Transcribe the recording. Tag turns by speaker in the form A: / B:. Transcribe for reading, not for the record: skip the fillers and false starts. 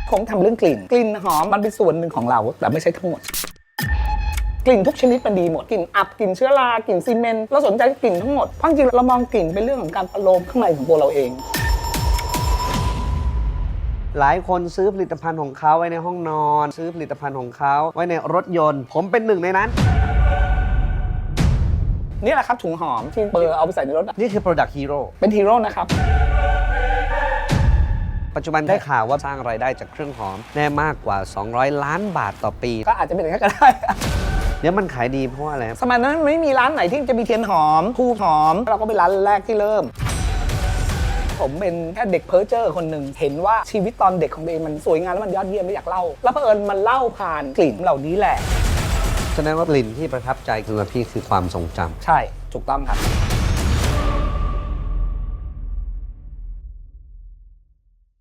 A: ผมทำเรื่องกลิ่นหอมมันเป็นส่วนหนึ่งของเราแต่ไม่ใช่ทั้งหมดกลิ่นทุกชนิดมันดีหมดกลิ่นอับกลิ่นเชื้อรากลิ่นซีเมนต์เราสนใจกลิ่นทั้งหมดเพราะจริงๆเรามองกลิ่นเป็นเรื่องของการประโลมข้างในของตัวเราเอง
B: หลายคนซื้อผลิตภัณฑ์ของเขาไว้ในห้องนอนซื้อผลิตภัณฑ์ของเขาไว้ในรถยนต์ผมเป็นหนึ่งในนั้น
A: นี่แหละครับถุงหอมที่เปิดเอาไปใส่ในรถ
B: นี่คือ Product Hero
A: เป็นฮีโร่นะครับ
B: ปัจจุบันได้ข่าวว่าสร้างรายได้จากเครื่องหอมแน่มากกว่า200 ล้านบาทต่อปี
A: ก็อาจจะเป็นอย่างนั้นก็ได้
B: เดี๋ยวมันขายดีเพราะอะไร
A: สมัยนั้นไม่มีร้านไหนที่จะมีเทียนหอมคู่หอมเราก็เป็นร้านแรกที่เริ่มผมเป็นแค่เด็กเพ้อเจ้อคนหนึ่งเห็นว่าชีวิตตอนเด็กของตัวเองมันสวยงามแล้วมันยอดเยี่ยมไม่อยากเล่าแล้วเผอิญมันเล่าผ่านกลิ่นเหล่านี้แหละ
B: แสดงว่ากลิ่นที่ประทับใจสำหรับพี่คือความทรงจำ
A: ใช่ถูกต้องครับ